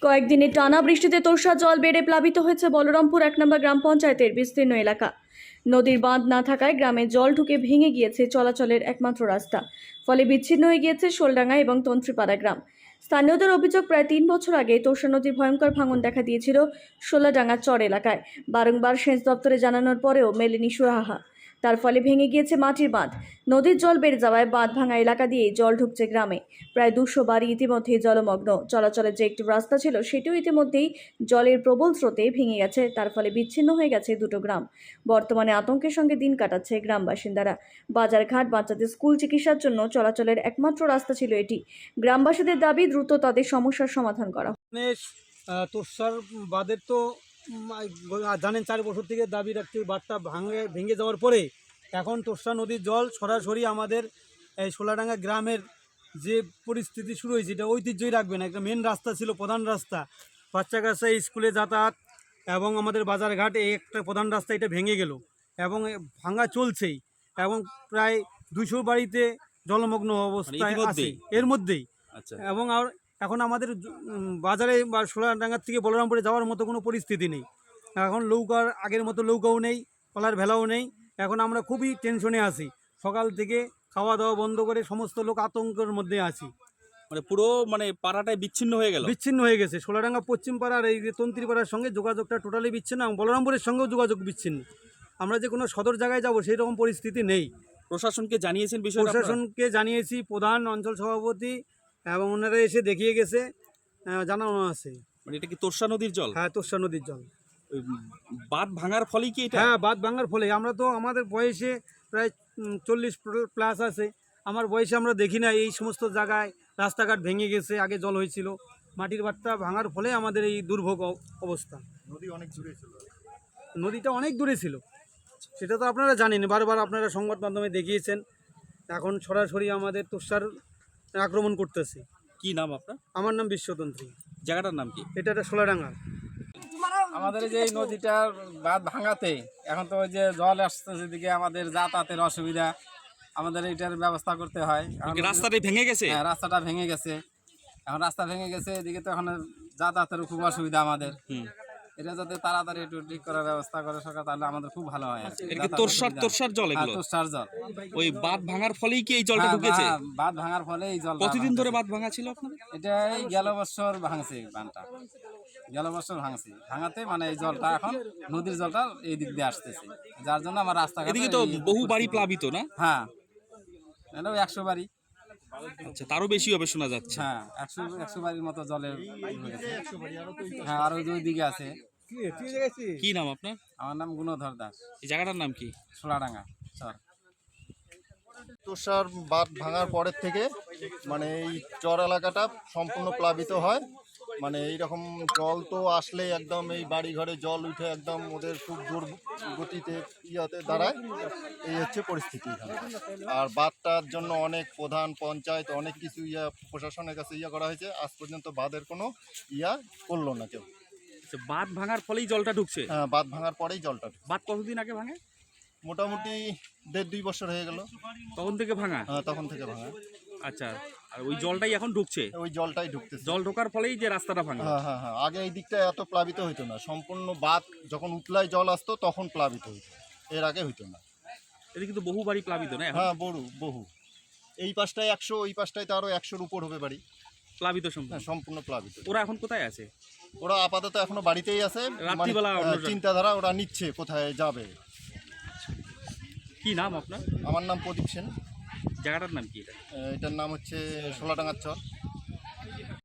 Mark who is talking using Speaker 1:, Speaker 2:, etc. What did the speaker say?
Speaker 1: কয়েকদিনের টানা বৃষ্টিতে তোর্ষা জল বেড়ে প্লাবিত হয়েছে বলরামপুর ১ নম্বর গ্রাম পঞ্চায়েতের বিস্তীর্ণ এলাকা। নদীর বাঁধ না থাকায় গ্রামে জল ঢুকে ভেঙে গিয়েছে চলাচলের একমাত্র রাস্তা। ফলে বিচ্ছিন্ন হয়ে গিয়েছে শোলডাঙ্গা এবং তন্ত্রীপাড়া গ্রাম। স্থানীয়দের অভিযোগ, প্রায় ৩ বছর আগে তোর্ষা নদীর ভয়ঙ্কর ভাঙন দেখা দিয়েছিল শোলাডাঙ্গা চর এলাকায়। বারংবার সেচ দপ্তরে জানানোর পরেও মেলেনি সুরাহা। তার ফলে ভেঙে গিয়েছে মাটির বাঁধ। নদীর জল বেড়ে যাওয়ায় বাঁধ ভাঙা এলাকা দিয়েই জল ঢুকছে গ্রামে। প্রায় ২০০ বাড়ি ইতিমধ্যেই জলমগ্ন। চলাচলের যে একটি রাস্তা ছিল সেটিও ইতিমধ্যেই জলের প্রবল স্রোতে ভেঙে গেছে। তার ফলে বিচ্ছিন্ন হয়ে গেছে দুটো গ্রাম। বর্তমানে আতঙ্কের সঙ্গে দিন কাটাচ্ছে গ্রাম বাসিন্দারা। বাজারঘাট, বাচ্চাদের স্কুল, চিকিৎসার জন্য চলাচলের একমাত্র রাস্তা ছিল এটি। গ্রামবাসীদের দাবি দ্রুত তাদের সমস্যার সমাধান করা।
Speaker 2: তোর্ষার বাঁধের তো জানেন 4 বছর থেকে দাবি রাখতে, বাঁধটা ভেঙে যাওয়ার পরে এখন তোর্ষা নদীর জল সরাসরি আমাদের এই শোলাডাঙ্গা গ্রামের যে পরিস্থিতি শুরু হয়েছে এটা ঐতিহ্যই রাখবে না। একটা মেন রাস্তা ছিল, প্রধান রাস্তা, বাচ্চা কাচ্চা স্কুলে যাতায়াত এবং আমাদের বাজারঘাট, এই একটা প্রধান রাস্তা, এটা ভেঙে গেল এবং ভাঙা চলছেই এবং প্রায় 200 বাড়িতে জলমগ্ন অবস্থায় আছে এর মধ্যেই। এবং আর এখন আমাদের বাজারে বা শোলাডাঙ্গার থেকে বলরামপুরে যাওয়ার মতো কোনো পরিস্থিতি নেই। এখন নৌকার আগের মতো নৌকাও নেই, কলার ভেলাও নেই। এখন আমরা খুবই টেনশনে আছি। সকাল থেকে খাওয়া দাওয়া বন্ধ করে সমস্ত লোক আতঙ্কের মধ্যে আছি।
Speaker 3: পুরো পাড়াটাই বিচ্ছিন্ন হয়ে
Speaker 2: গেছে। শোলাডাঙ্গা পশ্চিম পাড়ার এই তন্ত্রীপাড়ার সঙ্গে যোগাযোগটা টোটালি বিচ্ছিন্ন এবং বলরামপুরের সঙ্গেও যোগাযোগ বিচ্ছিন্ন। আমরা যে কোনো সদর জায়গায় যাব সেই রকম পরিস্থিতি নেই।
Speaker 3: প্রশাসনকে জানিয়েছেন বিষয়টা?
Speaker 2: প্রশাসনকে জানিয়েছি, প্রধান, অঞ্চল সভাপতি এবং ওনারা এসে দেখিয়ে গেছে, জানানো আছে।
Speaker 3: এটা কি তোর্ষা নদীর জল?
Speaker 2: হ্যাঁ, তোর্ষা নদীর জল।
Speaker 3: বাঁধ ভাঙার ফলেই কি এটা?
Speaker 2: হ্যাঁ, বাঁধ ভাঙার ফলে। আমরা তো আমাদের বয়সে প্রায় 40 প্লাস আছে। আমার বয়সে আমরা দেখি না এই সমস্ত জায়গায় রাস্তাঘাট ভেঙে গেছে, আগে জল হয়েছিল। মাটির বাঁধটা ভাঙার ফলে আমাদের এই দুর্ভোগ অবস্থা। নদীটা অনেক দূরে ছিল, সেটা তো আপনারা জানেন, বারবার আপনারা সংবাদ মাধ্যমে দেখিয়েছেন। এখন সরাসরি আমাদের তোর্ষার আক্রমণ করতেছে।
Speaker 3: কি নাম আপনার?
Speaker 2: আমার নাম বিশ্বতন্ত্রী।
Speaker 3: জায়গাটার নাম কি?
Speaker 2: এটা শোলাডাঙ্গা।
Speaker 4: আমাদের যে নদীটার বাঁধ ভাঙাতে এখন তো ওই যে জল আসছে, যেদিকে আমাদের যাতায়াতের অসুবিধা, আমাদের এইটার ব্যবস্থা করতে হয়।
Speaker 3: রাস্তাটা ভেঙে গেছে?
Speaker 4: হ্যাঁ, রাস্তাটা ভেঙে গেছে। এখন রাস্তা ভেঙে গেছে, এদিকে তো এখন যাতায়াতের খুব অসুবিধা আমাদের। এটা যাতে তাড়াতাড়ি একটু ঠিক করার ব্যবস্থা করে সরকার, তাহলে আমাদের খুব ভালো হয়।
Speaker 3: তোর্ষার জল এগুলো?
Speaker 4: তোর্ষার জল।
Speaker 3: ওই বাঁধ ভাঙার ফলেই কি এই জলটা ঢুকেছে?
Speaker 4: বাঁধ ভাঙার ফলে এই জল।
Speaker 3: কতদিন ধরে বাঁধ ভাঙা ছিল আপনাদের?
Speaker 4: এটা এই গেল বছর ভাঙছে, বাঁধটা গেল বছর ভাঙছে। ভাঙাতে এই জলটা এখন নদীর জলটা এই দিক দিয়ে আসতেছে, যার জন্য আমার রাস্তাঘাট।
Speaker 3: এদিকে তো বহু বাড়ি প্লাবিত না?
Speaker 4: হ্যাঁ, এটাও 100 বাড়ি।
Speaker 3: আচ্ছা, তারও বেশি হবে শোনা যাচ্ছে।
Speaker 4: হ্যাঁ, 100 বাড়ির মতো জলের। হ্যাঁ, আরো দুই দিকে আছে।
Speaker 3: কি নাম আপনার?
Speaker 4: আমার নাম গুণধর দাস।
Speaker 3: এই জায়গাটার নাম কি?
Speaker 4: শোলাডাঙ্গা চর।
Speaker 5: তোর্ষার বাঁধ ভাঙার পরের থেকে এই চর এলাকাটা সম্পূর্ণ প্লাবিত হয়। এইরকম জল তো আসলে একদম এই বাড়ি ঘরে জল উঠে একদম ওদের খুব জোর গতিতে দাঁড়ায়। এই হচ্ছে পরিস্থিতি এখানে। আর বাঁধটার জন্য অনেক প্রধান, পঞ্চায়েত, অনেক কিছু প্রশাসনের কাছে করা হয়েছে, আজ পর্যন্ত বাঁধের কোনো করলো না কেউ।
Speaker 3: বাঁধ ভাঙার ফলেই জলটা ঢুকছে?
Speaker 5: হ্যাঁ, বাঁধ ভাঙার পরেই জলটা।
Speaker 3: বাঁধ কতদিন আগে ভাঙে?
Speaker 5: মোটামুটি 1.5-2 বছর হয়ে গেল।
Speaker 3: তখন থেকে ভাঙা?
Speaker 5: হ্যাঁ, তখন থেকে ভাঙা।
Speaker 3: আচ্ছা, আর ওই জলটাই এখন ঢুকছে?
Speaker 5: ওই জলটাই ঢুকতেছে।
Speaker 3: জল ঢোকার ফলেই যে রাস্তাটা ভাঙা?
Speaker 5: হ্যাঁ হ্যাঁ হ্যাঁ, আগে এই দিকটা এত প্লাবিত হইতো না। সম্পূর্ণ বাঁধ যখন উতলায় জল আসতো তখন প্লাবিত হইতো, এর আগে হইতো না।
Speaker 3: এটা কিন্তু বহু বাড়ি প্লাবিত না?
Speaker 5: হ্যাঁ, বহু। এই পাশটায় 100, ওই পাশটায় তো আরো 100-র উপর হবে বাড়ি
Speaker 3: প্লাবিত।
Speaker 5: সম্পূর্ণ প্লাবিত।
Speaker 3: ওরা এখন কোথায় আছে?
Speaker 5: ওরা আপাতত এখনো বাড়িতেই আছে।
Speaker 3: রাত্রিবেলা
Speaker 5: চিন্তাধারা ওরা নিচ্ছে কোথায় যাবে।
Speaker 3: কি নাম আপনার?
Speaker 5: আমার নাম প্রদীপ সেন।
Speaker 3: জায়গাটার নাম কি?
Speaker 5: এটার নাম হচ্ছে শোলাডাঙ্গার চর।